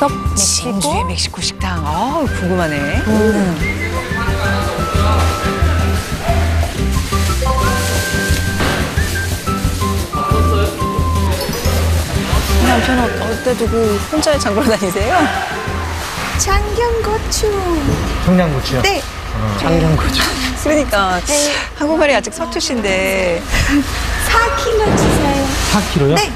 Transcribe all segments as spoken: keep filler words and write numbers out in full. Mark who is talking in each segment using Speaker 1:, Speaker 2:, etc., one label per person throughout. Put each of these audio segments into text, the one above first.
Speaker 1: 멕시코?
Speaker 2: 진주의 멕시코 식당. 아, 궁금하네.
Speaker 1: 음.
Speaker 2: 남편 어, 어디다 두고 혼자 장 보러 다니세요?
Speaker 3: 청양고추.
Speaker 4: 청양고추요?
Speaker 3: 네.
Speaker 4: 청양고추.
Speaker 2: 그러니까 한국말이 아직 서투신데.
Speaker 3: 사 킬로 주세요.
Speaker 4: 사 킬로요?
Speaker 3: 네.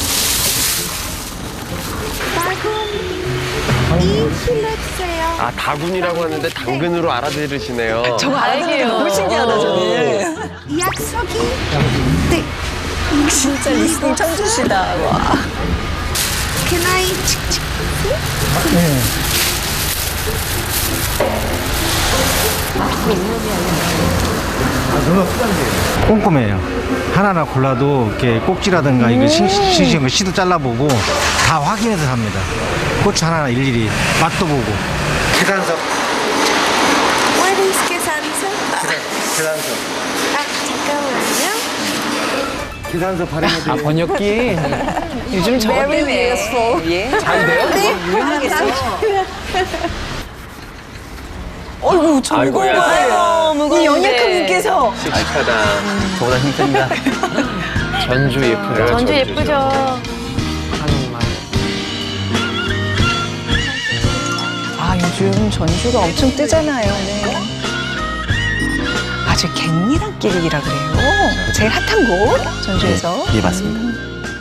Speaker 3: 다군 이 킬로 주세요.
Speaker 5: 아, 다군이라고 하는데 당근으로 알아들으시네요.
Speaker 2: 저거 알아듣는 게 너무 신기하다, 저는.
Speaker 3: 약속이. 네.
Speaker 2: 진짜 리스닝 천주시다. 와.
Speaker 3: Can I? 칙칙.
Speaker 4: 네. 아, 누나 수단이에요. 꼼꼼해요. 하나하나 골라도 이렇게 꼭지라든가 이거 싱싱한 거 씨도 잘라보고 다 확인해서 합니다. 고추 하나하나 일일이 맛도 보고. 계산서.
Speaker 3: What is quesadilla?
Speaker 4: 계산서.
Speaker 3: 아, 잠깐만요.
Speaker 4: 계산서 발행해드려요.
Speaker 5: 아, 번역기?
Speaker 2: 요즘 저거
Speaker 3: Very
Speaker 2: 때문에.
Speaker 3: useful.
Speaker 2: 예.
Speaker 5: 잘 돼요?
Speaker 2: 유명하겠어. 어이구, 저
Speaker 5: 아이고야.
Speaker 2: 무거워요. 무거워. 이 연약한 분께서.
Speaker 5: 씩씩하다. 저보다 힘듭니다. 전주 예쁘다.
Speaker 1: 전주 예쁘죠.
Speaker 5: 한옥마을.
Speaker 2: 아, 요즘 전주가 엄청 뜨잖아요. 네. 아주 갱리단길이라 그래요. 제일 핫한 곳, 전주에서.
Speaker 6: 예, 맞습니다.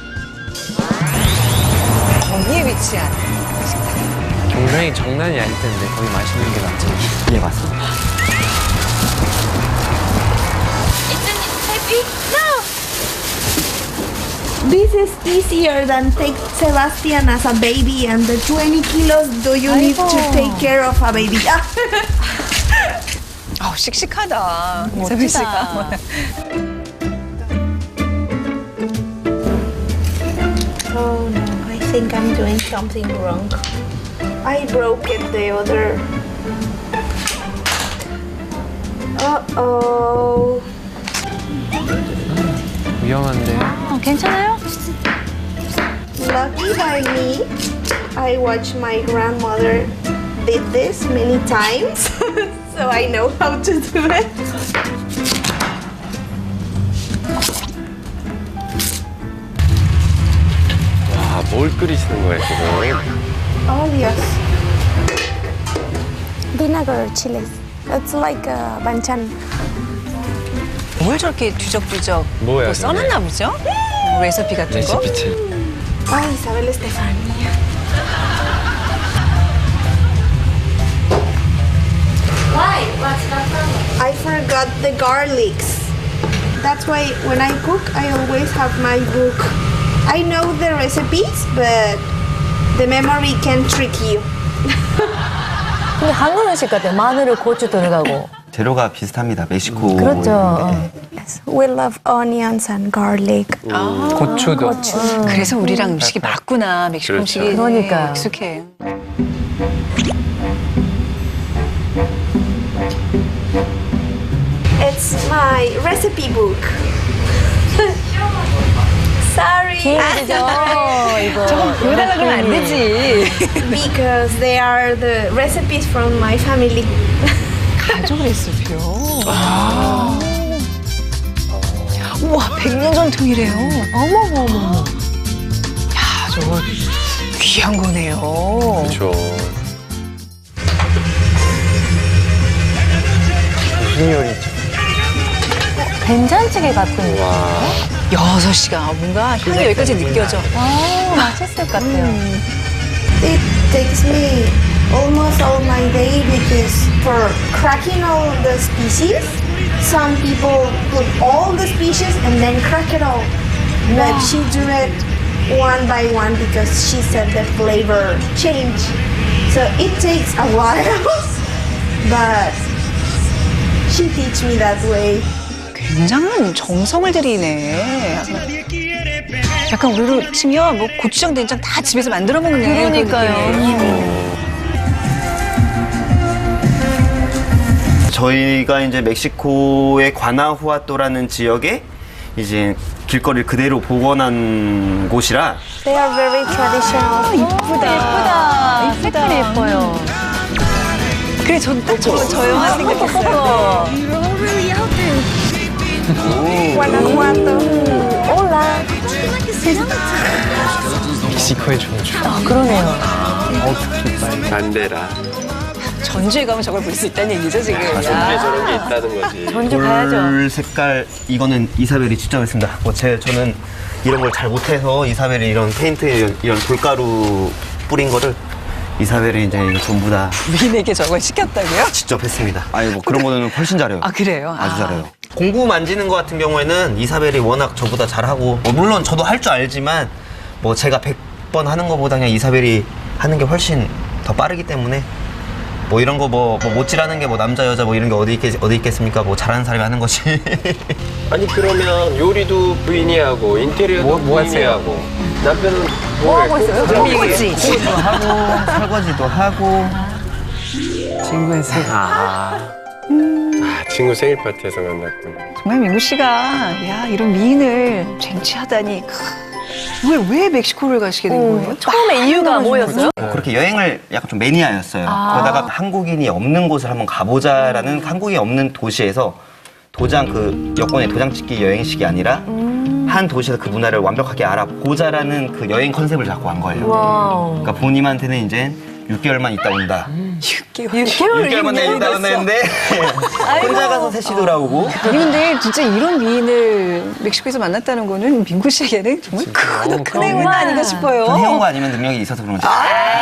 Speaker 2: 거기에 위치한.
Speaker 5: 경상이 장난이 아닐 텐데 거기 맛있는 게 많죠.
Speaker 6: 예, 맞습니다.
Speaker 3: This is easier than take Sebastian as a baby and the twenty kilos do you need to take care of a baby?
Speaker 2: 아우, 씩씩하다.
Speaker 1: 멋지다.
Speaker 2: 세빈 씨가.
Speaker 3: Oh no, I think I'm doing something wrong. I broke it the other. Uh-oh.
Speaker 5: 위험한데.
Speaker 1: 어, 괜찮아요?
Speaker 3: Lucky by me, I watched my grandmother did this many times, so I know how to do it.
Speaker 5: 와, 뭘 끓이시는 거예요, 지금?
Speaker 3: Oh yes.
Speaker 7: Vinegar chilies. It's like a banchan.
Speaker 2: 뭘 저렇게 뒤적뒤적
Speaker 5: 뭐야,
Speaker 2: 또 써놨나 보죠? 뭐 레시피 같은 거?
Speaker 5: 레시피책.
Speaker 3: Oh, Isabel Estefania.
Speaker 7: Why? What's the problem?
Speaker 3: I forgot the garlics. That's why when I cook, I always have my book. I know the recipes, but the memory can trick you.
Speaker 1: 근데 한국 음식 같아요. 마늘을 고추 들어가고.
Speaker 6: 재료가 비슷합니다. 멕시코.
Speaker 1: 그렇죠. 어.
Speaker 7: Yes, we love onions and garlic.
Speaker 5: 고추도.
Speaker 2: 그래서 우리랑 음식이 맞구나. 멕시코
Speaker 5: 그렇죠.
Speaker 2: 음식이
Speaker 1: 그러니까요.
Speaker 2: 익숙해.
Speaker 3: It's my recipe book. Sorry.
Speaker 1: 기회죠, 이거.
Speaker 2: 이거 달라 그러면 안 되지.
Speaker 3: Because they are the recipes from my family.
Speaker 2: 가족 레시피요. 아. 우와, 백 년 전통이래요. 어머머머. 야, 저거 귀한 거네요.
Speaker 5: 그렇죠. 무슨 요리죠?
Speaker 1: 된장찌개 같은 거.
Speaker 5: 와.
Speaker 2: 여섯 시간 뭔가 향이 여기까지 느껴져.
Speaker 1: 아, 맛있을 것 같아요.
Speaker 3: It takes me almost all my day because for cracking all the species, some people put all the species and then crack it all. But she do it one by one because she said the flavor change. So it takes a while, but she teach me that way.
Speaker 2: 굉장한 정성을 들이네. 약간 우리로 치면 뭐 고추장, 된장 다 집에서 만들어 먹네.
Speaker 1: 그러니까요.
Speaker 6: 저희가 이제 멕시코의 과나후아토라는 지역에 이제 길거리를 그대로 복원한 곳이라
Speaker 7: They are very traditional.
Speaker 1: 예쁘다. 색깔이 예뻐요.
Speaker 2: 그래, 전딱 저, 저 영화 생각했어요.
Speaker 7: Guanajuato.
Speaker 1: 올라.
Speaker 5: 멕시코의 전주.
Speaker 1: 아, 그러네요.
Speaker 5: 반데라.
Speaker 2: 전주에 가면 저걸 볼 수 있다는 얘기죠, 지금.
Speaker 5: 전주에
Speaker 2: 야.
Speaker 5: 저런 게 있다는 거지.
Speaker 1: 전주 가야죠.
Speaker 6: 돌 색깔 이거는 이사벨이 직접 했습니다. 뭐 제 저는 이런 걸 잘 못해서 이사벨이 이런 페인트 이런, 이런 돌가루 뿌린 거를 이사벨이 이제 이거 전부 다
Speaker 2: 미인에게 저걸 시켰다고요?
Speaker 6: 직접 했습니다. 아니 뭐 그런 거는 훨씬 잘해요.
Speaker 2: 아, 그래요?
Speaker 6: 아주
Speaker 2: 아.
Speaker 6: 잘해요. 공구 만지는 거 같은 경우에는 이사벨이 워낙 저보다 잘하고 뭐 물론 저도 할 줄 알지만 뭐 제가 백 번 하는 거보다 그냥 이사벨이 하는 게 훨씬 더 빠르기 때문에 뭐 이런 거 뭐 못질하는 게 뭐 남자 여자 뭐 이런 게 어디 있겠 어디 있겠습니까? 뭐 잘하는 사람이 하는 거지.
Speaker 5: 아니 그러면 요리도 부인이 하고 인테리어도 뭐- 뭐 부인이 하세요? 하고 남편은
Speaker 1: 뭐 하고 있어요?
Speaker 2: 그렇지.
Speaker 6: 도 하고 설거지도 하고
Speaker 5: 친구의 생. 아. 아 친구 생일 파티에서 만났군.
Speaker 2: 정말 민구 씨가, 야, 이런 미인을 쟁취하다니. 왜, 왜 멕시코를 가시게 된 거예요?
Speaker 1: 처음에 이유가 뭐였어요?
Speaker 6: 뭐 그렇게 여행을 약간 좀 매니아였어요. 그러다가 한국인이 없는 곳을 한번 가보자라는 한국인이 없는 도시에서 도장 그 여권의 도장 찍기 여행식이 아니라 한 도시에서 그 문화를 완벽하게 알아보자라는 그 여행 컨셉을 잡고 간 거예요.
Speaker 1: 와우.
Speaker 6: 그러니까 본인한테는 이제 육 개월만 있다 온다.
Speaker 2: 육 개월.
Speaker 6: 육 개월만 있다 온다는데 혼자 가서 셋이 돌아오고.
Speaker 2: 아니, 근데 진짜 이런 미인을 멕시코에서 만났다는 거는 민구 씨에게는 정말 큰, 큰 행운 아닌가 싶어요.
Speaker 6: 돈 해온 거 아니면 능력이 있어서 그런 거지.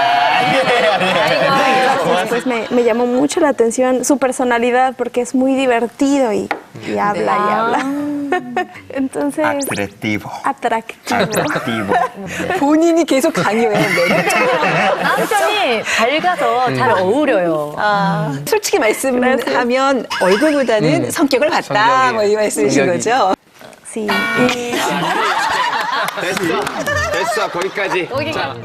Speaker 7: Pues me, me llamó mucho la atención su personalidad porque es muy divertido y, y habla y habla. Entonces,
Speaker 6: 아트레티보.
Speaker 7: atractivo.
Speaker 6: 아트레티보.
Speaker 2: 본인이 계속 강요해요. 매력적으로.
Speaker 1: 남편이 밝아서 잘 어울려요.
Speaker 2: 아, 솔직히 말씀하면 얼굴보다는 성격을 봤다.
Speaker 5: 성격이.
Speaker 2: 뭐 이 말씀이신
Speaker 5: 성격이.
Speaker 2: 거죠?
Speaker 7: Sí. Y
Speaker 5: 됐어. 됐어. 거기까지. 자.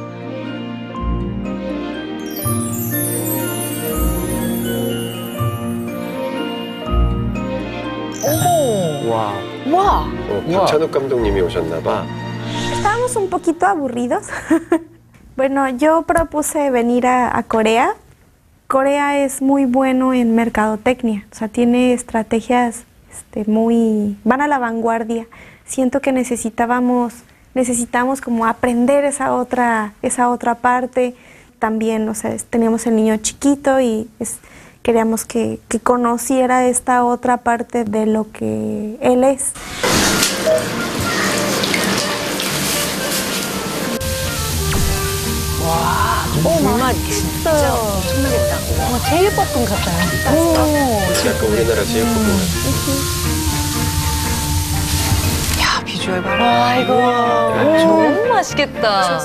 Speaker 5: 와.
Speaker 2: 와.
Speaker 5: 어, 박찬욱 감독님이 오셨나 봐.
Speaker 7: estábamos un poquito aburridos. Bueno, yo propuse venir a, a Corea. Corea es muy bueno en mercadotecnia, o sea, tiene estrategias este, muy... van a la vanguardia. Siento que necesitábamos, necesitamos como aprender esa otra, esa otra parte. También, o sea, es- teníamos el niño chiquito y es- queríamos que, que conociera esta otra parte de lo que él es.
Speaker 1: 정말 진짜 엄청나겠다. 와, 제육볶음 같아요.
Speaker 5: 약간 우리나라 제육볶음.
Speaker 2: 야, 비주얼 봐라.
Speaker 1: 와, 이거 너무 맛있겠다.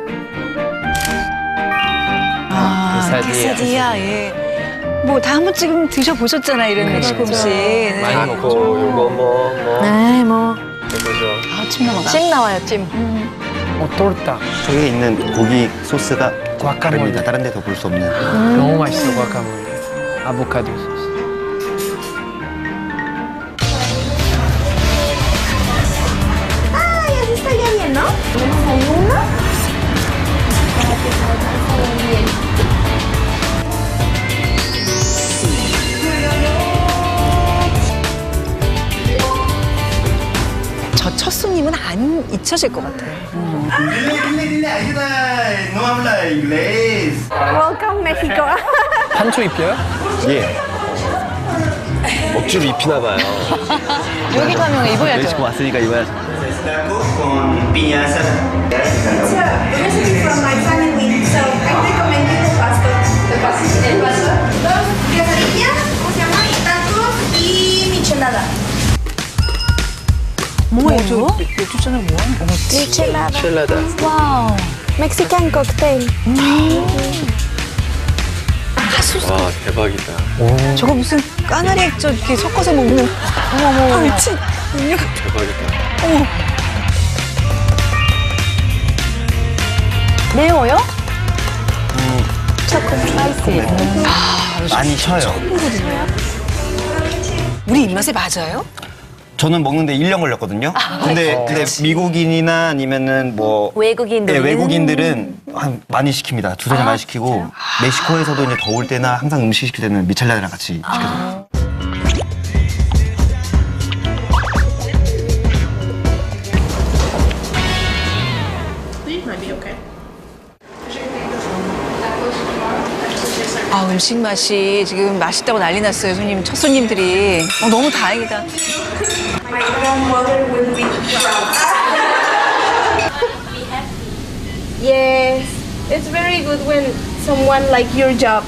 Speaker 2: 아,
Speaker 5: quesadilla.
Speaker 2: quesadilla, 예. 뭐 다 한 번쯤 드셔보셨잖아, 이런 멕시코 음식. 네.
Speaker 5: 많이 먹고 요거 뭐 뭐.
Speaker 1: 네, 뭐.
Speaker 5: 해보죠.
Speaker 2: 아, 침 넘어가.
Speaker 1: 찜 나와요, 찜.
Speaker 8: 어, 토르타.
Speaker 6: 저기에 있는 고기 소스가
Speaker 8: 과카몰레.
Speaker 6: 다릅니다. 다른 데서 볼 수 없는.
Speaker 8: 너무 맛있어, 과카몰레. 아보카도 소스.
Speaker 3: Ay, así estaría bien, ¿no? Tenemos ahí uno. Para que se alcance bien.
Speaker 2: 저 첫 손님은 안 잊혀질 것 같아요.
Speaker 7: Welcome, México.
Speaker 8: 한초 입혀요?
Speaker 5: 예. 억지로 입히나 봐요.
Speaker 1: 여기 가면 입어야죠.
Speaker 6: 멕시코 왔으니까 입어야죠.
Speaker 3: So, this is from my family, so I recommend you the pasto. The pasto. El pasto. Dos quesadillas, ¿cómo se llama? Y tacos y michelada.
Speaker 2: 뭐예요? 맥주 잔을 뭐 하는 거야?
Speaker 7: Michelada.
Speaker 5: 첼라다.
Speaker 1: 와우.
Speaker 7: Mexican cocktail.
Speaker 5: 와 대박이다.
Speaker 2: 저거 무슨 까나리 액젓 이렇게 섞어서 먹는. 어머, 어머, 미친. 음료.
Speaker 5: 대박이다.
Speaker 1: 매워요?
Speaker 6: 많이 쉬어요.
Speaker 2: 우리 입맛에 맞아요?
Speaker 6: 저는 먹는데 일 년 걸렸거든요. 근데, 근데 미국인이나 아니면은 뭐
Speaker 1: 외국인들
Speaker 6: 네, 외국인들은 한 많이 시킵니다. 두세 달 많이 시키고 멕시코에서도 이제 더울 때나 항상 음식 시킬 때는 미첼란이랑 같이 시켜줘요.
Speaker 2: 아, 음식 맛이 지금 맛있다고 난리 났어요, 손님, 첫 손님들이. 어, 너무 다행이다.
Speaker 3: My grandmother will be proud. Yes, it's very good when someone like your job.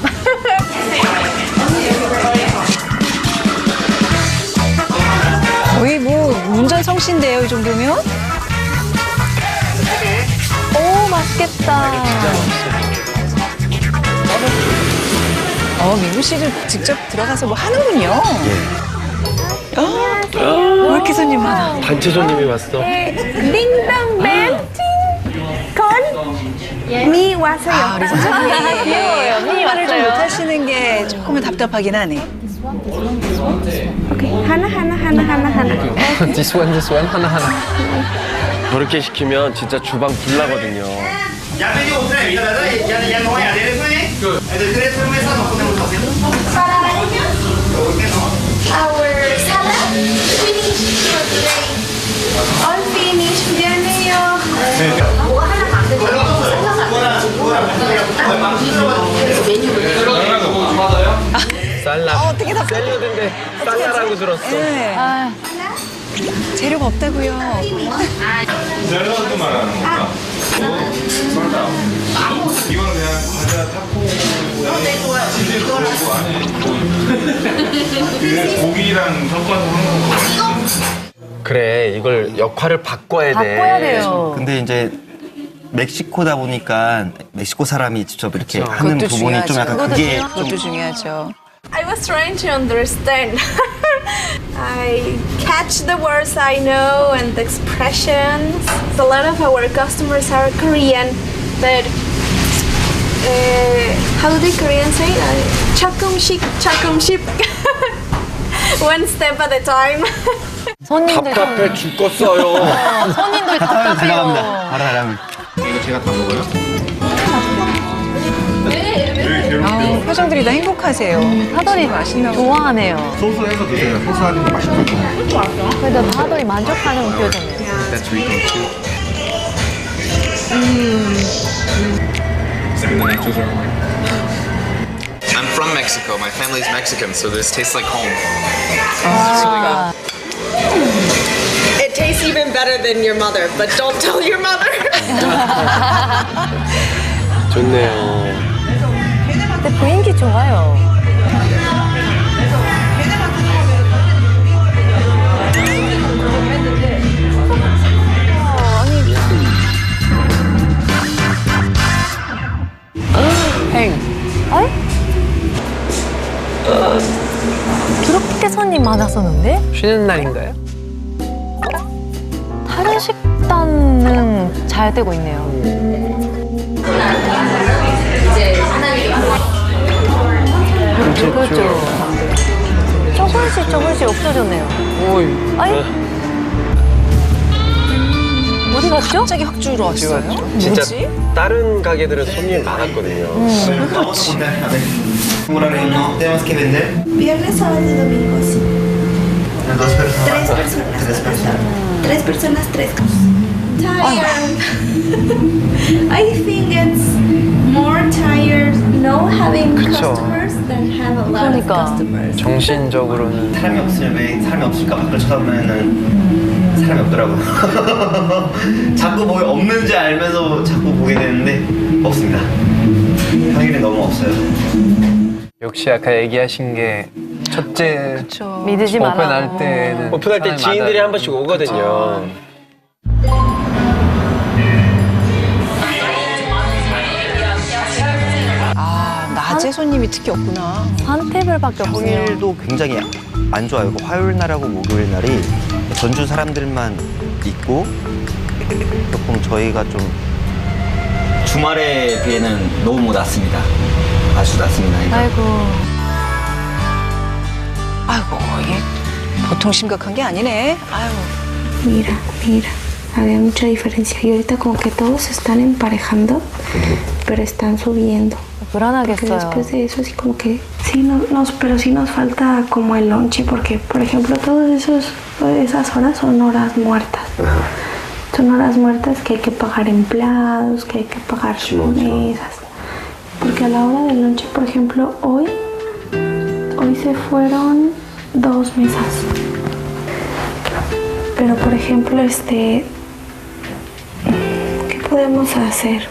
Speaker 2: 거의 뭐 운전성신데요, 이 정도면?
Speaker 1: 오, 맛있겠다.
Speaker 2: 어, 민구 씨도 직접 들어가서 뭐 하는군요. 어, 왜 이렇게 손님 많아?
Speaker 5: 단체 손님이 왔어.
Speaker 3: Ding dong bell, ting. Con. Mi 왔어요.
Speaker 2: 아, 우리 선생님.
Speaker 1: 귀여워요. 미니
Speaker 2: 말을 좀
Speaker 1: 왔어요.
Speaker 2: 못하시는 게 조금은 답답하긴 하네.
Speaker 3: Okay. 하나 하나 하나 하나 하나.
Speaker 8: This one, this one, 하나 하나.
Speaker 5: 저렇게 시키면 진짜 주방 불나거든요.
Speaker 3: Our salad finished for today. All finished. 미안해요.
Speaker 5: 쌀라.
Speaker 2: 어, 어떻게 다
Speaker 5: 샐러드인데 쌀라라고 들었어.
Speaker 2: 네. 재료가 없다고요.
Speaker 9: 샐러드 말하는 건가? 이거는 그냥 과자 타코 치즈 그거 안에 그 고기랑 섞어서 하는 거.
Speaker 5: 그래, 이걸 역할을 바꿔야 돼.
Speaker 1: 바꿔야 돼요.
Speaker 6: 근데 이제 멕시코다 보니까 멕시코 사람이 직접 이렇게
Speaker 5: 그쵸.
Speaker 6: 하는
Speaker 2: 그것도
Speaker 6: 부분이 좀
Speaker 2: 중요하죠.
Speaker 6: 약간 그게
Speaker 2: 그것도
Speaker 6: 좀
Speaker 2: 중요하죠.
Speaker 3: I was trying to understand. I catch the words I know and the expressions. A lot of our customers are Korean, but uh, how do the Koreans say? Uh, chakumshik, chakumship. One step at a time.
Speaker 1: 손님들 좀,
Speaker 5: 답답해 죽겠어요.
Speaker 1: 어, 손님들
Speaker 6: 달라갑니다.
Speaker 1: 답답해요.
Speaker 6: 바로 달라갑니다.
Speaker 9: 이거 제가 다 먹어요?
Speaker 2: 아, 표정들이 다 행복하세요.
Speaker 1: 사돌이
Speaker 2: 맛있나 보다.
Speaker 1: 좋아하네요.
Speaker 9: 소스해서 드세요. 소스하는 게 맛있을 거예요.
Speaker 1: 그래도 사돌이 만족하는 표정이에요.
Speaker 9: That's Rico too. And the nachos are mine.
Speaker 10: I'm from Mexico. My family's Mexican, so this tastes like home.
Speaker 1: 아,
Speaker 11: It tastes even better than your mother, but don't tell your mother.
Speaker 5: 좋네요.
Speaker 1: 근데雰囲気 좋아요.
Speaker 8: 행.
Speaker 1: 어이? 그렇게 손님 많았었는데?
Speaker 8: 쉬는 날인가요?
Speaker 1: 다른 식단은 잘 되고 있네요. 그렇죠. 조금씩 조금씩 없어졌네요.
Speaker 8: 오이.
Speaker 1: 아이? 어디 갔죠?
Speaker 2: 갑자기 확 줄어왔어요.
Speaker 5: 진짜
Speaker 2: 뭐지?
Speaker 5: 다른 가게들은 손님이 많았거든요.
Speaker 6: 그렇지. Horario no tenemos que vender.
Speaker 3: Viernes, sábado y domingo, sí.
Speaker 6: Dos personas.
Speaker 3: Tres personas.
Speaker 6: Tres personas.
Speaker 3: Tres personas, tres cosas. Tired. I think it's more tired no having
Speaker 8: 그쵸.
Speaker 3: customers than have a lot
Speaker 1: 그러니까.
Speaker 3: of customers.
Speaker 8: 정신적으로는
Speaker 6: 사람이 없으면 왜 사람이 없을까 밖을 쳐다보면은 사람이 없더라고요. 자꾸 뭐 없는지 알면서 자꾸 보게 되는데 없습니다. 평일에 너무 없어요.
Speaker 8: 역시 아까 얘기하신 게 첫째
Speaker 2: 그렇죠.
Speaker 1: 믿으지 마라.
Speaker 8: 오픈할 때는
Speaker 5: 오픈할 때
Speaker 8: 사람이
Speaker 5: 지인들이
Speaker 8: 많아요.
Speaker 5: 한 번씩 오거든요.
Speaker 2: 아, 낮에 손님이 특히 없구나.
Speaker 1: 한 테이블밖에 없어요.
Speaker 6: 평일도 굉장히 안 좋아요. 그 화요일 날하고 목요일 날이 전주 사람들만 있고 조금 저희가 좀 주말에 비해는 너무 낮습니다. 아주 낮습니다. 그러니까.
Speaker 1: 아이고.
Speaker 2: 아이고, 이게 보통 심각한 게 아니네. 아유.
Speaker 7: Mira, mira, había mucha diferencia. Y ahorita como que todos se están emparejando, pero están subiendo. Porque
Speaker 1: 불안하겠어요.
Speaker 7: después de eso sí como que sí no, nos, pero sí nos falta como el lonche porque por ejemplo todas esos esas horas son horas muertas. Son horas muertas que hay que pagar empleados, que hay que pagar mesas. Porque a la hora del lonche, por ejemplo, hoy hoy se fueron dos mesas. Pero por ejemplo, este ¿qué podemos hacer?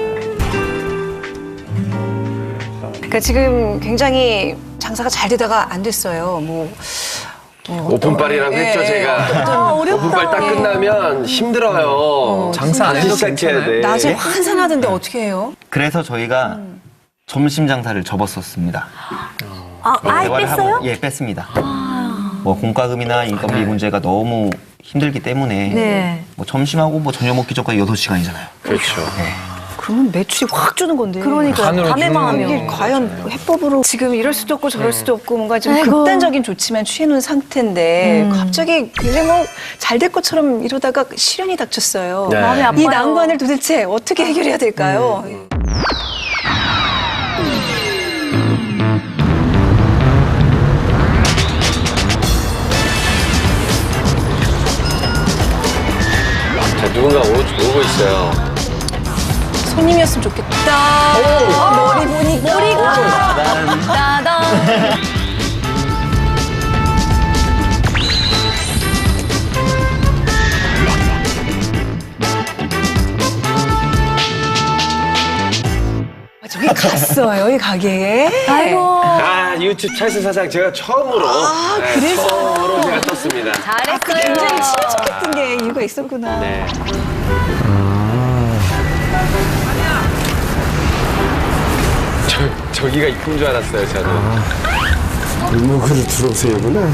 Speaker 2: 그러니까 지금 굉장히 장사가 잘 되다가 안 됐어요. 뭐
Speaker 5: 오픈빨이라고
Speaker 2: 예,
Speaker 5: 했죠,
Speaker 2: 예.
Speaker 5: 제가.
Speaker 2: 아, 어렵다.
Speaker 5: 오픈빨 딱 끝나면 힘들어요.
Speaker 8: 장사 안 해도
Speaker 5: 시작해야 돼.
Speaker 2: 낮에 환산하던데 어떻게 해요?
Speaker 6: 그래서 저희가 점심 장사를 접었었습니다.
Speaker 1: 아, 아예
Speaker 6: 대화를
Speaker 1: 뺐어요?
Speaker 6: 하고, 예, 뺐습니다. 뭐 공과금이나 인건비 문제가 너무 힘들기 때문에
Speaker 1: 네.
Speaker 6: 뭐 점심하고 뭐 저녁 먹기 전까지 여섯 시간이잖아요.
Speaker 5: 그렇죠.
Speaker 2: 그러면 매출이 확 주는 건데.
Speaker 1: 그러니까
Speaker 8: 간으로
Speaker 1: 밤에만
Speaker 8: 주는
Speaker 2: 이게
Speaker 1: 하면.
Speaker 2: 과연 해법으로 지금 이럴 수도 없고 저럴 수도 없고 뭔가 좀
Speaker 1: 아이고.
Speaker 2: 극단적인 조치만 취해놓은 상태인데
Speaker 1: 음.
Speaker 2: 갑자기 굉장히 뭐 잘 될 것처럼 이러다가 시련이 닥쳤어요.
Speaker 5: 네.
Speaker 1: 마음이 아파요.
Speaker 2: 이 난관을 도대체 어떻게 해결해야 될까요?
Speaker 5: 자, 누군가 오, 오고 있어요.
Speaker 2: 손님이었으면 좋겠다. 오, 머리 보니까.
Speaker 1: 머리가 따단.
Speaker 2: 아, 저기 갔어요, 이 가게에.
Speaker 1: 아이고.
Speaker 5: 아, 유튜브 찰스 사장 제가 처음으로.
Speaker 2: 아,
Speaker 5: 네,
Speaker 2: 그래서?
Speaker 5: 처음으로 제가 떴습니다.
Speaker 1: 잘했어요.
Speaker 2: 굉장히 친해졌던 게 이유가 있었구나.
Speaker 5: 네. 저, 저기가 이쁜 줄 알았어요, 저는.
Speaker 9: 골목으로 들어오세요구나.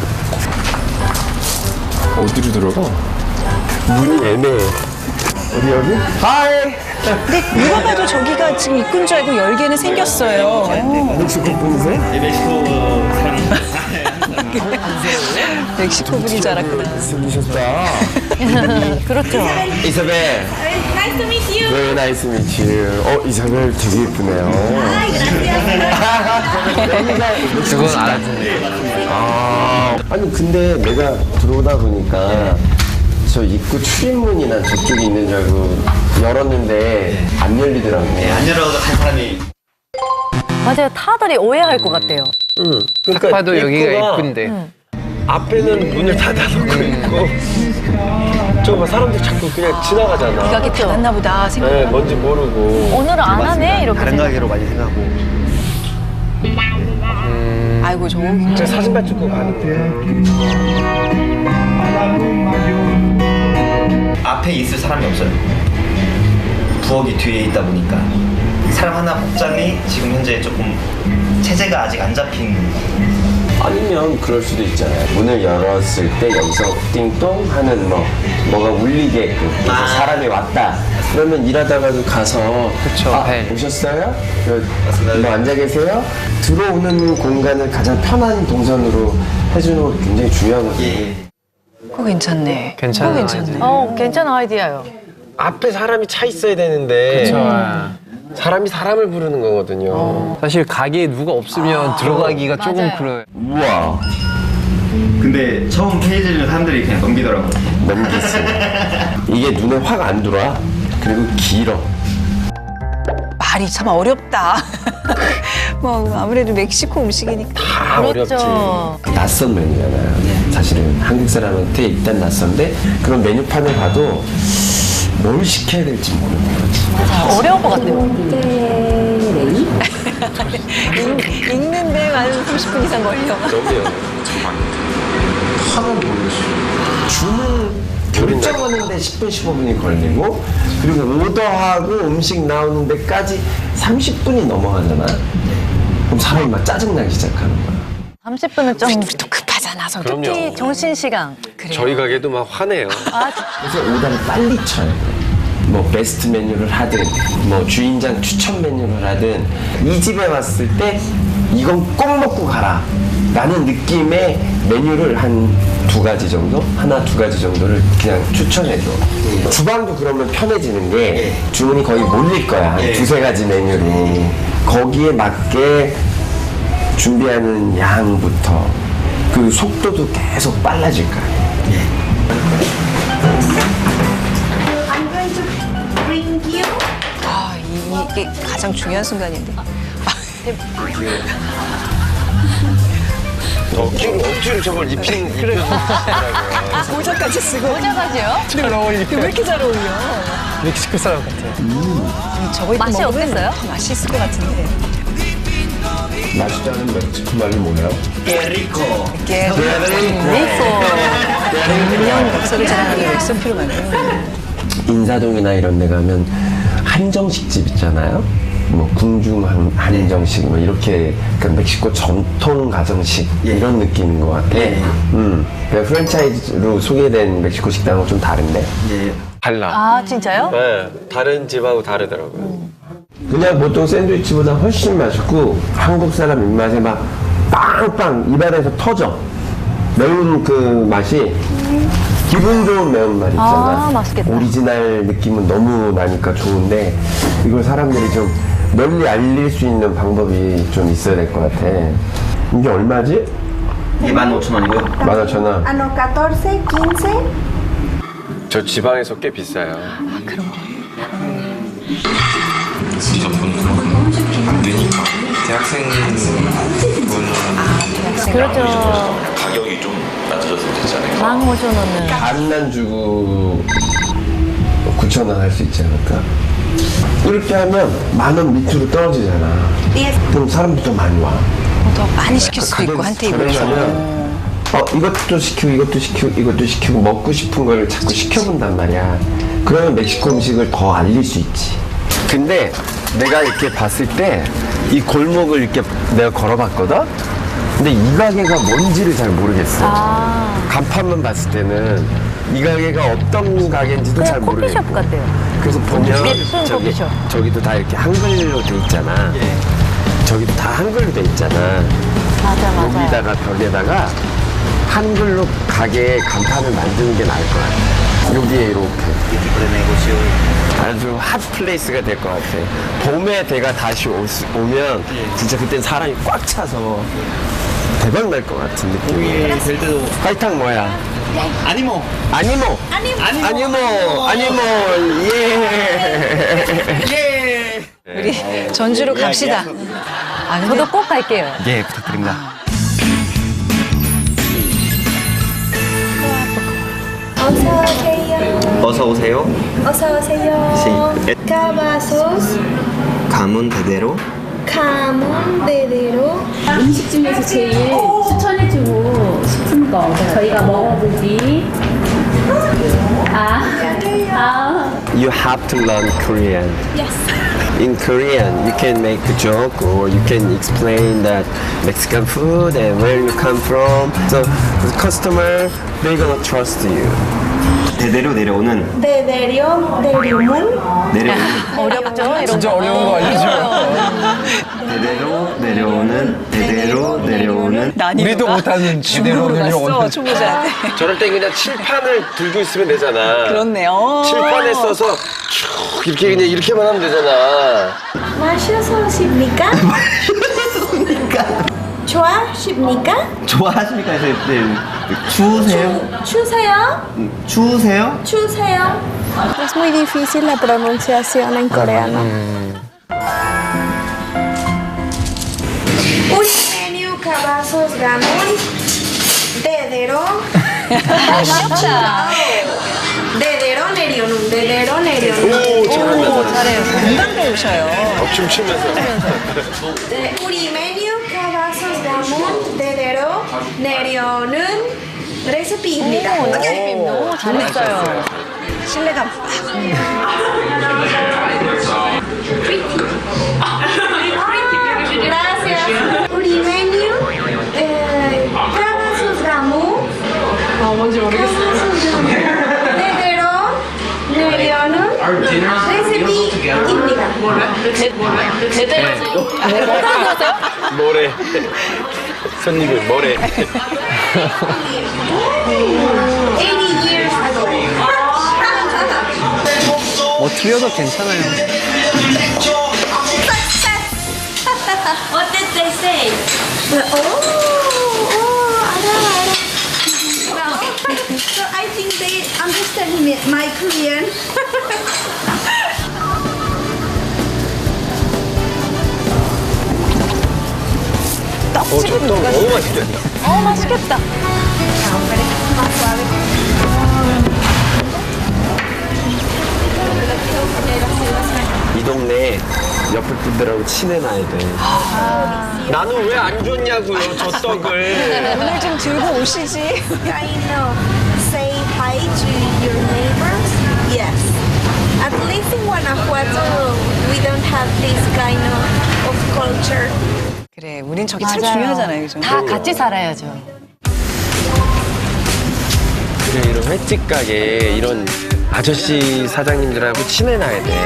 Speaker 9: 어디로 들어가?
Speaker 5: 문이 애매해.
Speaker 9: 어디 여기? 하이!
Speaker 2: 근데 누가 봐도 저기가 지금 입구인 줄 알고 열개는 생겼어요.
Speaker 9: 멕시코 분이세요?
Speaker 2: 멕시코 분인 줄 알았구나.
Speaker 9: 생기셨다.
Speaker 1: 그렇죠.
Speaker 9: 이사벨.
Speaker 3: Nice to meet you.
Speaker 9: Very nice to meet you. 어, 이사벨 되게 예쁘네요.
Speaker 8: 그건 알았는데.
Speaker 9: 아, 아니 근데 내가 들어오다 보니까 저 입구 출입문이나 저쪽에 있는 줄 알고 열었는데 안 열리더라고요.
Speaker 6: 네, 안 열어도 한 사람이
Speaker 1: 맞아요. 타들이 오해할 것 같대요.
Speaker 5: 응. 그러니까
Speaker 8: 딱 봐도 여기가
Speaker 5: 입구가
Speaker 8: 이쁜데.
Speaker 5: 앞에는 문을 닫아놓고 있고, 저거 봐, 사람들 자꾸 그냥 지나가잖아.
Speaker 2: 이 가게 닫았나 보다
Speaker 5: 네,
Speaker 2: 생각하고.
Speaker 5: 뭔지 모르고.
Speaker 1: 오늘은 안 하네 이렇게.
Speaker 6: 다른 가게로 많이 생각하고.
Speaker 2: 아이고 저거
Speaker 5: 제가 사진만 찍고 가는데.
Speaker 6: 앞에 있을 사람이 없어요. 부엌이 뒤에 있다 보니까 사람 하나 복장이 지금 현재 조금 체제가 아직 안 잡힌.
Speaker 9: 아니면 그럴 수도 있잖아요. 문을 열었을 때 여기서 띵동 하는 뭐 뭐가 울리게끔 그래서
Speaker 6: 아.
Speaker 9: 사람이 왔다. 그러면 일하다가도 가서
Speaker 8: 그쵸,
Speaker 9: 아,
Speaker 8: 벨.
Speaker 9: 오셨어요? 여- 뭐 앉아 계세요? 들어오는 공간을 가장 편한 동선으로 해주는 것도 굉장히 중요하거든요.
Speaker 6: 예.
Speaker 2: 그거 괜찮네.
Speaker 8: 괜찮아.
Speaker 2: 그거 괜찮네.
Speaker 1: 어, 괜찮은 아이디어요.
Speaker 5: 앞에 사람이 차 있어야 되는데.
Speaker 8: 그쵸.
Speaker 5: 사람이 사람을 부르는 거거든요.
Speaker 8: 사실 가게에 누가 없으면 들어가기가 조금
Speaker 1: 맞아요.
Speaker 8: 그래요.
Speaker 9: 우와.
Speaker 6: 근데 처음 페이지를 사람들이 그냥 넘기더라고요.
Speaker 9: 넘겼어. 이게 눈에 확 안 들어와. 그리고 길어.
Speaker 2: 말이 참 어렵다. 뭐 아무래도 멕시코 음식이니까.
Speaker 5: 다 어렵지.
Speaker 1: 그렇죠.
Speaker 9: 낯선 메뉴잖아요. 사실은 한국 사람한테 일단 낯선데 그런 메뉴판을 봐도 뭘 시켜야 될지 모르는 거지.
Speaker 1: 어려울 것 같아요.
Speaker 2: 읽, 읽는데 한 삼십 분 이상 걸려.
Speaker 5: 너무요.
Speaker 9: 하면 모르겠어요. 주문 결정하는데 십 분, 십오 분이 걸리고 그리고 오더하고 음식 나오는 데까지 삼십 분이 넘어가잖아. 그럼 사람이 막 짜증나기 시작하는 거야.
Speaker 1: 삼십 분은 좀
Speaker 2: 또 급하잖아, 성격.
Speaker 5: 그럼요.
Speaker 1: 특히 정신시간.
Speaker 2: 그래요.
Speaker 5: 저희 가게도 막 화내요.
Speaker 9: 그래서 오더를 빨리 쳐야 돼. 뭐 베스트 메뉴를 하든 뭐 주인장 추천 메뉴를 하든 이 집에 왔을 때 이건 꼭 먹고 가라 라는 느낌의 메뉴를 한 두 가지 정도? 하나 두 가지 정도를 그냥 추천해줘. 주방도 그러면 편해지는 게 주문이 거의 몰릴 거야. 한 두세 가지 메뉴로. 거기에 맞게 준비하는 양부터 그 속도도 계속 빨라질 거야.
Speaker 3: I'm going to bring you.
Speaker 2: 아, 이게 가장 중요한 순간인데.
Speaker 9: 억지로 억지로 저걸 입힌 입힌
Speaker 2: 모자까지 쓰고.
Speaker 1: 모자까지요?
Speaker 2: 왜 이렇게 잘 어울려?
Speaker 8: 멕시코 사람 같아.
Speaker 2: 저거 입고
Speaker 1: 맛이
Speaker 2: 먹으면
Speaker 1: 어땠어요?
Speaker 2: 더 맛있을 것 같은데.
Speaker 9: 맛있다는 멕시코 말이 뭐예요?
Speaker 2: 깨리코.
Speaker 1: 리코.
Speaker 2: 백 년 역사를 자랑하는 엑소피로 만든.
Speaker 9: 인사동이나 이런 데 가면 한정식 집 있잖아요. 뭐 궁중 한, 한정식 뭐 이렇게 그러니까 멕시코 전통 가정식 이런 느낌인 것 같아. 음, 그냥 프랜차이즈로 소개된 멕시코 식당은 좀 다른데.
Speaker 5: 달라.
Speaker 1: 아, 진짜요?
Speaker 5: 네, 다른 집하고 다르더라고요.
Speaker 9: 그냥 보통 샌드위치보다 훨씬 맛있고 한국 사람 입맛에 막 빵빵 입안에서 터져. 매운 그 맛이 기분 좋은 매운맛 있잖아.
Speaker 1: 아, 맛있겠다.
Speaker 9: 오리지널 느낌은 너무 나니까 좋은데 이걸 사람들이 좀 널리 알릴 수 있는 방법이 좀 있어야 될 것 같아. 이게 얼마지?
Speaker 6: 이게 만 오천 원이고요.
Speaker 9: 만 오천 원.
Speaker 3: Ah, no, catorce, quince.
Speaker 5: 저 지방에서 꽤 비싸요.
Speaker 10: 진짜 돈 그만큼 안 되니까 대학생분은
Speaker 1: 그렇죠.
Speaker 10: 가격이 좀 낮아졌으면 되지 않을까.
Speaker 1: 만 오천 원은.
Speaker 9: 반만 주고 구천 원 할 수 있지 않을까? 이렇게 하면 만 원 밑으로 떨어지잖아. 그럼 사람들이 더 많이 와.
Speaker 2: 더 많이 시킬 수도 있고 한 테이블에서.
Speaker 9: 저렴하면 어 이것도 시키고 이것도 시키고 이것도 시키고 먹고 싶은 거를 자꾸 시켜본단 말이야. 그러면 멕시코 음식을 더 알릴 수 있지. 근데 내가 이렇게 봤을 때 이 골목을 이렇게 내가 걸어봤거든? 근데 이 가게가 뭔지를 잘 모르겠어.
Speaker 1: 아.
Speaker 9: 간판만 봤을 때는 이 가게가 어떤 가게인지도 잘
Speaker 1: 그냥
Speaker 9: 모르겠고.
Speaker 1: 커피숍 같아요.
Speaker 9: 그래서 보면
Speaker 1: 예쁜
Speaker 9: 저기,
Speaker 1: 커피숍.
Speaker 9: 저기도 다 이렇게 한글로 돼 있잖아. 저기도 다 한글로 돼 있잖아.
Speaker 1: 맞아, 맞아.
Speaker 9: 여기다가 벽에다가 한글로 가게 간판을 만드는 게 나을 것 같아. 여기에 이렇게. 아주 핫 플레이스가 될 것 같아. 봄에 대가 다시 오, 오면 진짜 그땐 사람이 꽉 차서 대박 날 것 같은 느낌이. 될 때도. 파이탕 뭐야?
Speaker 6: 아니모.
Speaker 9: 아니모. 아니모. 아니모. 아니모. 예. 예.
Speaker 2: 우리 전주로 갑시다. 아, 근데
Speaker 1: 저도 꼭 갈게요.
Speaker 6: 예, 부탁드립니다.
Speaker 3: 어서 오세요.
Speaker 6: 어서 오세요.
Speaker 3: 어서 오세요.
Speaker 6: Sí.
Speaker 3: Cavazos,
Speaker 6: 가문 대대로.
Speaker 3: 가문 대대로.
Speaker 12: 음식 중에서 제일 추천해주고 싶은 거 저희가 먹어보지. 아, 아.
Speaker 9: You have to learn Korean.
Speaker 3: Yes.
Speaker 9: In Korean, you can make a joke or you can explain that Mexican food and where you come from. So the customer, they're gonna trust you.
Speaker 6: 대대로 내려오는.
Speaker 3: 대대로 내려오는.
Speaker 6: 내려오는.
Speaker 1: 어렵죠? 이런
Speaker 8: 진짜
Speaker 1: 거.
Speaker 8: 어려운 거 알려줘.
Speaker 6: 대대로 내려오는. 대대로 내려오는.
Speaker 8: 우리도 못하는 제대로
Speaker 2: 갔어,
Speaker 8: 내려오는.
Speaker 2: 초보자한테.
Speaker 5: 저럴 때 그냥 칠판을 들고 있으면 되잖아.
Speaker 2: 그렇네요.
Speaker 5: 칠판에 써서 쭉 이렇게 그냥 이렇게만 하면 되잖아.
Speaker 3: 마셔서십니까? 좋아하십니까?
Speaker 6: 좋아하십니까? 네, 네. 추우세요?
Speaker 3: 추세요?
Speaker 6: 추우세요?
Speaker 3: 추세요? Es muy difícil la pronunciación en coreano. Un menú Cavazos Gamón 대대로 대대로 내려오는 대대로 내려오는.
Speaker 5: 오, 잘한다.
Speaker 2: 잘해요. 금방 배우셔요.
Speaker 5: 어, 춤추면서.
Speaker 3: 네, 우리 메뉴 Cavazos Gamón 대대로 내려오는 레시피입니다.
Speaker 1: 너무 잘했어요.
Speaker 2: 신뢰감.
Speaker 3: Gracias. 우리 메뉴 에, Cavazos Gamón. 아, 뭔지 모르겠어요. 대대로 내려오는 recipe India.
Speaker 5: 뭐래? 손님이 뭐래?
Speaker 3: eighty years ago.
Speaker 8: 뭐 틀려도 괜찮아요.
Speaker 3: What did they say? Oh, oh, ara, ara. Well, so I think they understand me, my Korean.
Speaker 5: 어, 저떡 너무 맛있겠다.
Speaker 1: 어, 맛있겠다.
Speaker 9: 이 동네 옆에 분들하고 친해놔야 돼.
Speaker 5: 나는 왜 안 줬냐고요, 저 떡을.
Speaker 2: 오늘 좀 들고 오시지.
Speaker 3: Kind of say hi to your neighbors. Yes. At least in Guanajuato, we don't have this kind of, of culture.
Speaker 2: 그래, 우린 저게 참
Speaker 1: 맞아요.
Speaker 2: 중요하잖아요, 그죠?
Speaker 1: 다 같이 살아야죠.
Speaker 5: 그래, 이런 횟집 가게 이런 아저씨 사장님들하고 친해놔야 돼.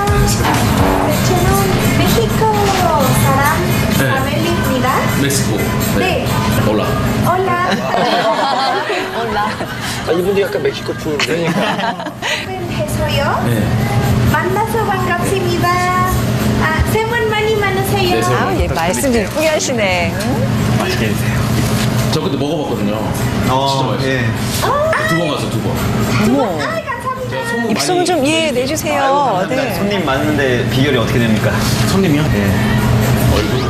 Speaker 3: México, Saram, Isabel입니다.
Speaker 13: 멕시코.
Speaker 3: 네.
Speaker 13: 올라.
Speaker 3: Hola.
Speaker 1: 몰라.
Speaker 5: 아, 이분도 약간 멕시코 풍인데.
Speaker 3: 해서요.
Speaker 13: 네.
Speaker 3: 만나서 반갑습니다. 아, 새해 복 많이 많으세요.
Speaker 2: 아, 얘 말씀 예쁘게 하시네. 응?
Speaker 13: 맛있게 드세요. 저 그때 먹어봤거든요.
Speaker 6: 어,
Speaker 13: 진짜 맛있어요.
Speaker 6: 예.
Speaker 13: 두 번 갔어, 두 번.
Speaker 2: 어머.
Speaker 3: 아, 감사합니다.
Speaker 13: 소문
Speaker 2: 입소문
Speaker 13: 많이-
Speaker 2: 좀, 예, 내주세요. 네.
Speaker 6: 손님 많은데 비결이 어떻게 됩니까?
Speaker 13: 손님이요?
Speaker 6: 예.
Speaker 13: 얼굴.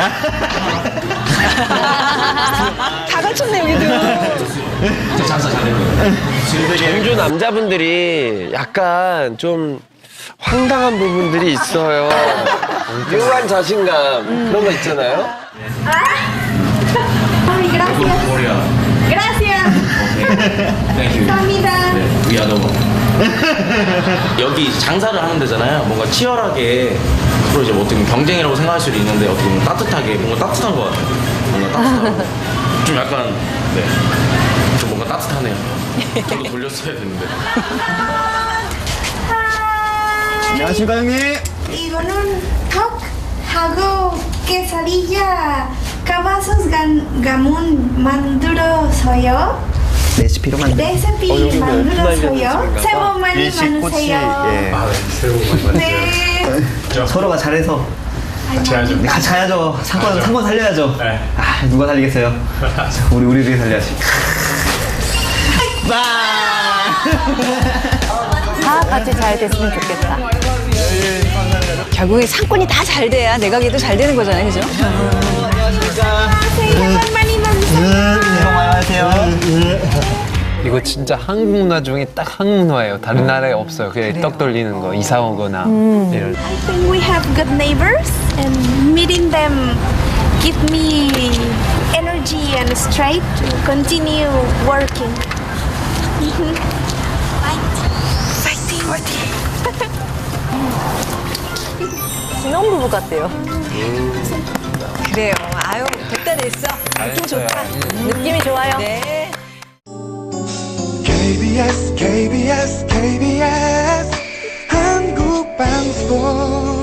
Speaker 2: 다 갖췄네, 여기도.
Speaker 13: 저 장사 잘된 거예요.
Speaker 5: 전주 남자분들이 약간 좀 황당한 부분들이 있어요. 묘한 자신감 그런 거 있잖아요.
Speaker 3: Ay, gracias.
Speaker 13: 코리아.
Speaker 3: Gracias.
Speaker 13: 땡큐.
Speaker 3: 감사합니다.
Speaker 13: 네, 위아더버. 여기 장사를 하는 데잖아요. 뭔가 치열하게 서로 이제 뭐 어떻게 보면 경쟁이라고 생각할 수도 있는데 어떻게 보면 따뜻하게 뭔가 따뜻한 것 같아요. 뭔가 따뜻하고 좀 약간 네, 좀 뭔가 따뜻하네요. 저도 돌렸어야 되는데.
Speaker 6: 안녕하십니까, 형님?
Speaker 3: 이거는 턱하고 quesadilla, cabazos gamón 만들어서요.
Speaker 6: 레시피로 만든.
Speaker 3: 레시피
Speaker 5: 어, 여기 뭐
Speaker 3: 만들어서요. 새해 복 많이
Speaker 6: 일식꼬치.
Speaker 3: 많으세요.
Speaker 6: 예.
Speaker 13: 아, 네. 새해 복 많이
Speaker 3: 네.
Speaker 6: 서로가 잘해서
Speaker 13: 같이 하죠.
Speaker 6: 같이 가야죠. 상권
Speaker 13: 가야죠.
Speaker 6: 상권 살려야죠.
Speaker 13: 네.
Speaker 6: 아, 누가 살리겠어요? 우리 우리들이 살려야지.
Speaker 1: 다 같이 잘 됐으면 좋겠다.
Speaker 2: 결국에 상권이 다 잘 돼야 내 가게도 잘 되는 거잖아요, 그죠?
Speaker 3: 새해 복 많이 많으세요.
Speaker 6: 안녕하세요.
Speaker 8: 이거 진짜 한국 문화 중에 딱 한국 문화예요. 다른 나라에 없어요. 그냥 떡 돌리는 거, 이사 오거나 이런.
Speaker 3: I think we have good neighbors and meeting them give me energy and strength to continue working. Fighting. Fighting.
Speaker 1: 신혼부부 같대요.
Speaker 2: 그래요. 아유, 됐다 됐어. 느낌 좋다.
Speaker 1: 느낌이 좋아요.
Speaker 2: 네.
Speaker 14: 케이비에스 케이비에스 케이비에스 한국방송